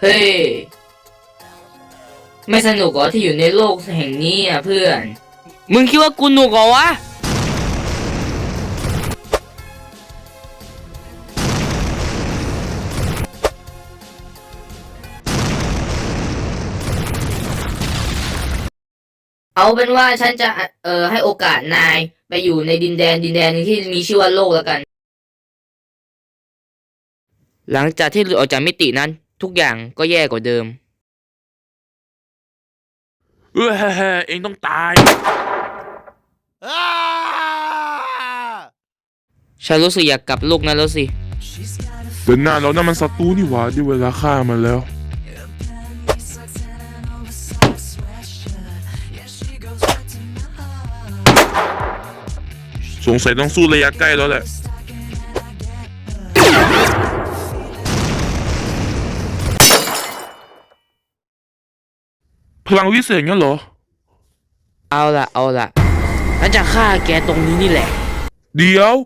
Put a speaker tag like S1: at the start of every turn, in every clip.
S1: ฮ้ยไม่สนุกเหรอที่อยู่ในโลกแห่งนี้อ่ะเพื่อนมึงคิดว่ากูหนุกเหรอวะเอาเป็นว่าฉันจะให้โอกาสนายไปอยู่ในดินแดนหนึงที่มีชื่อว่าโลกแล้วกันหลังจากที่หลุดออกจากมิตินั้นทุกอย่างก็แย่กว่าเดิม
S2: เองต้องตาย
S1: ฉันรู้สึกอยากกลับโลกนั้นแล้วสิ
S2: เดินหน้าเรานั่นมันศัตรูนี่หว่าได้เวลาฆ่ามันแล้วสงสัยต้องสู้ระยะใกล้แล้วแหละพลังวิเศษงั้นเหรอ
S1: เอาล่ะฉันจะฆ่าแกตรงนี้นี่แหละ
S2: เดี๋ยว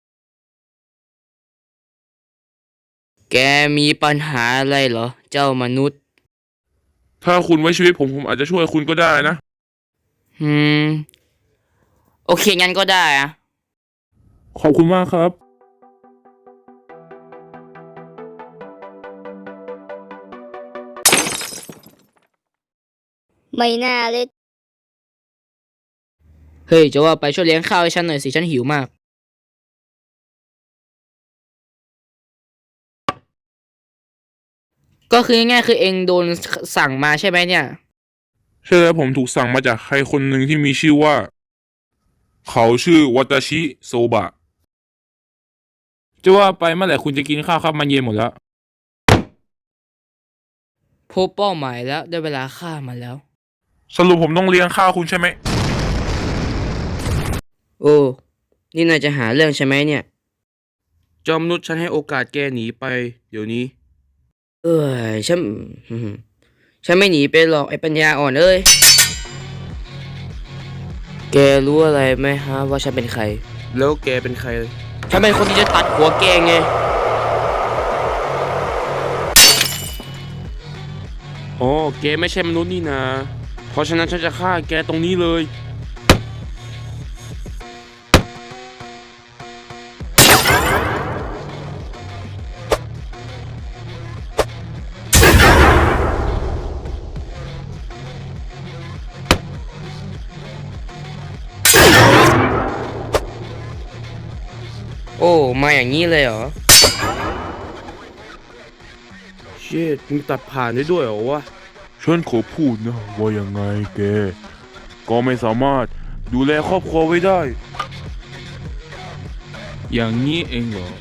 S1: แกมีปัญหาอะไรเหรอเจ้ามนุษย์
S2: ถ้าคุณไว้ชีวิตผมอาจจะช่วยคุณก็ได้นะ
S1: โอเคงั้นก็ได้อะ
S2: ขอบคุณมากครับ
S3: ไม่น่าเลย
S1: เฮ้ยจะว่าไปช่วยเลี้ยงข้าวให้ฉันหน่อยสิฉันหิวมากก็คือง่ายๆคือเองโดนสั่งมาใช่ไหมเนี่ย
S2: ใช่แล้วผมถูกสั่งมาจากใครคนหนึ่งที่มีชื่อว่าเขาชื่อวัตาชิโซบะจะว่าไปเมื่อไหร่คุณจะกินข้าวครับมันเย็นหมดแล้ว
S1: พบเป้าหมายแล้วได้เวลาฆ่ามันแล้ว
S2: สรุปผมต้องเลี้ยงข้าวคุณใช่ไหม
S1: โอ้นี่นายจะหาเรื่องใช่ไหมเนี่ย
S2: จอมนุษย์ฉันให้โอกาสแกหนีไปเดี๋ยวนี้
S1: ฉันไม่หนีไปหรอกไอ้ปัญญาอ่อนเอ้ยแกรู้อะไรไหมฮะว่าฉันเป็นใคร
S2: แล้วแกเป็นใคร
S1: ฉันเป็นคนที่จะตัดหัวแกไง
S2: อ๋อแกไม่ใช่มนุษย์นี่นะเพราะฉะนั้นฉันจะฆ่าแกตรงนี้เลย
S1: โอ้มาอย่างนี้เลยเหรอ
S2: เชิดมึงตัดผ่านได้ด้วยเหรอวะฉันขอพูดนะว่ายังไงแกก็ไม่สามารถดูแลครอบครัวไว้ได้อย่างนี้เองเหรอ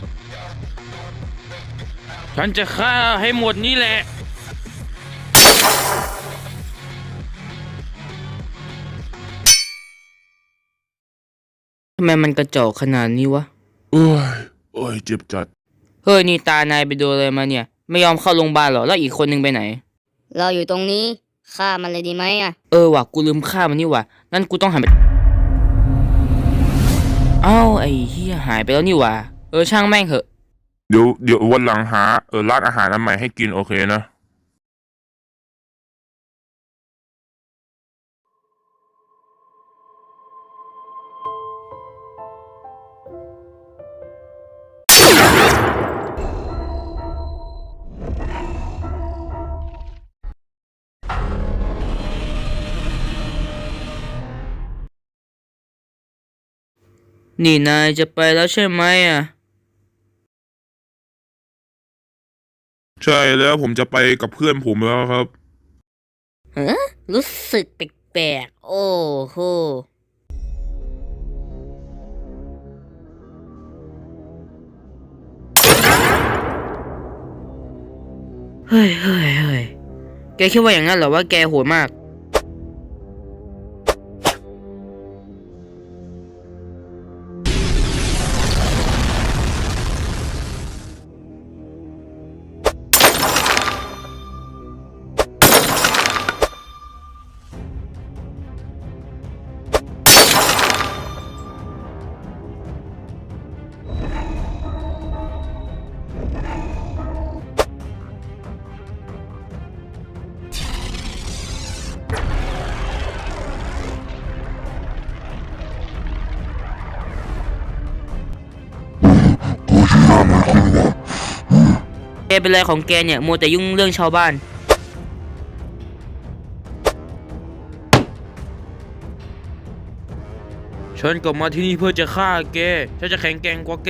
S2: ฉันจะฆ่าให้หมดนี่แหละ
S1: ทำไมมันกระจอกขนาดนี้วะ
S2: โอ้ยเจ็บจัด
S1: เฮ้ยนี่ตานายไปโดนอะไรมาเนี่ยไม่ยอมเข้าโรงพยาบาลหรอแล้วอีกคนนึงไปไหน
S3: เราอยู่ตรงนี้ฆ่ามันเลยดีไหมอ่ะ
S1: ว่ะกูลืมฆ่ามันนี่ว่ะนั่นกูต้องหันไปเอ้าไอ้เหี้ยหายไปแล้วนี่ว่ะช่างแม่งเหอะ
S2: เดี๋ยววันหลังหาร้านอาหารอันใหม่ให้กินโอเคนะ
S1: นี่นายจะไปแล้วใช่ไหมอ่ะ
S2: ใช่แล้วผมจะไปกับเพื่อนผมแล้วครับ
S3: รู้สึกแปลกๆโอ้โห
S1: เฮ้ยแกคิดว่าอย่างนั้นเหรอว่าแกโหดมากเป็นไรของแกเนี่ยมัวแต่ยุ่งเรื่องชาวบ้าน
S2: ฉันกลับมาที่นี่เพื่อจะฆ่าแก ฉันจะแข็งแกร่งกว่าแก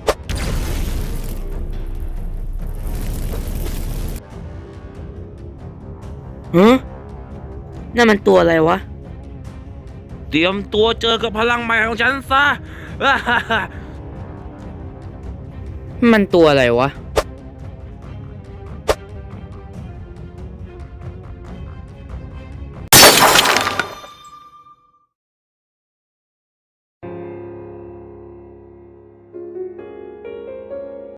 S1: ฮะนั่นมันตัวอะไรวะ
S2: เตรียมตัวเจอกับพลังใหม่ของฉันซะ
S1: มันตัวอะไรวะ